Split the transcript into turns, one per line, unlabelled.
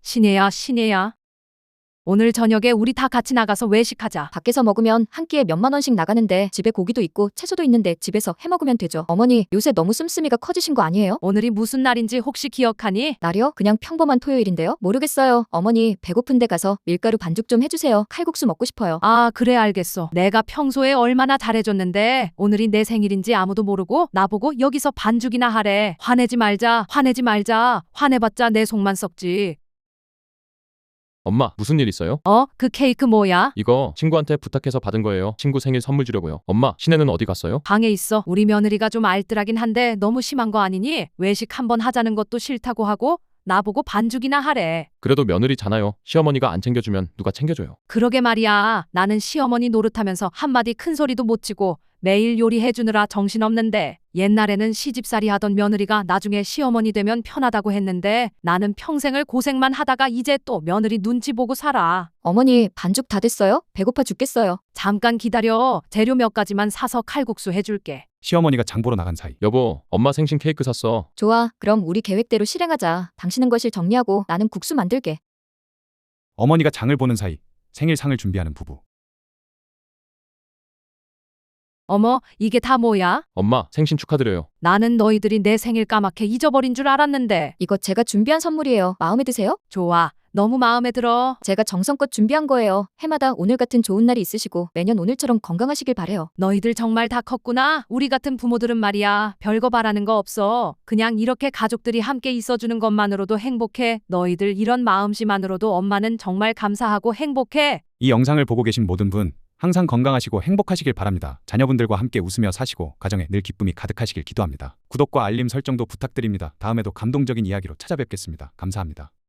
신혜야, 신혜야. 오늘 저녁에 우리 다 같이 나가서 외식하자.
밖에서 먹으면 한 끼에 몇만 원씩 나가는데 집에 고기도 있고 채소도 있는데 집에서 해 먹으면 되죠. 어머니, 요새 너무 씀씀이가 커지신 거 아니에요?
오늘이 무슨 날인지 혹시 기억하니?
날이요? 그냥 평범한 토요일인데요? 모르겠어요. 어머니, 배고픈데 가서 밀가루 반죽 좀 해주세요. 칼국수 먹고 싶어요.
아, 그래 알겠어. 내가 평소에 얼마나 잘해줬는데 오늘이 내 생일인지 아무도 모르고 나보고 여기서 반죽이나 하래. 화내지 말자, 화내지 말자. 화내봤자 내 속만 썩지.
엄마, 무슨 일 있어요?
그 케이크 뭐야?
이거 친구한테 부탁해서 받은 거예요. 친구 생일 선물 주려고요. 엄마, 신혜는 어디 갔어요?
방에 있어. 우리 며느리가 좀 알뜰하긴 한데 너무 심한 거 아니니? 외식 한번 하자는 것도 싫다고 하고 나보고 반죽이나 하래.
그래도 며느리잖아요. 시어머니가 안 챙겨주면 누가 챙겨줘요.
그러게 말이야. 나는 시어머니 노릇하면서 한마디 큰 소리도 못 치고 매일 요리해주느라 정신없는데 옛날에는 시집살이 하던 며느리가 나중에 시어머니 되면 편하다고 했는데 나는 평생을 고생만 하다가 이제 또 며느리 눈치 보고 살아.
어머니, 반죽 다 됐어요? 배고파 죽겠어요.
잠깐 기다려. 재료 몇 가지만 사서 칼국수 해줄게.
시어머니가 장 보러 나간 사이
여보, 엄마 생신 케이크 샀어.
좋아, 그럼 우리 계획대로 실행하자. 당신은 거실 정리하고 나는 국수 만들게.
어머니가 장을 보는 사이 생일상을 준비하는 부부.
어머, 이게 다 뭐야?
엄마, 생신 축하드려요.
나는 너희들이 내 생일 까맣게 잊어버린 줄 알았는데.
이거 제가 준비한 선물이에요. 마음에 드세요?
좋아. 너무 마음에 들어.
제가 정성껏 준비한 거예요. 해마다 오늘 같은 좋은 날이 있으시고 매년 오늘처럼 건강하시길 바래요.
너희들 정말 다 컸구나. 우리 같은 부모들은 말이야. 별거 바라는 거 없어. 그냥 이렇게 가족들이 함께 있어주는 것만으로도 행복해. 너희들 이런 마음씨만으로도 엄마는 정말 감사하고 행복해.
이 영상을 보고 계신 모든 분 항상 건강하시고 행복하시길 바랍니다. 자녀분들과 함께 웃으며 사시고 가정에 늘 기쁨이 가득하시길 기도합니다. 구독과 알림 설정도 부탁드립니다. 다음에도 감동적인 이야기로 찾아뵙겠습니다. 감사합니다.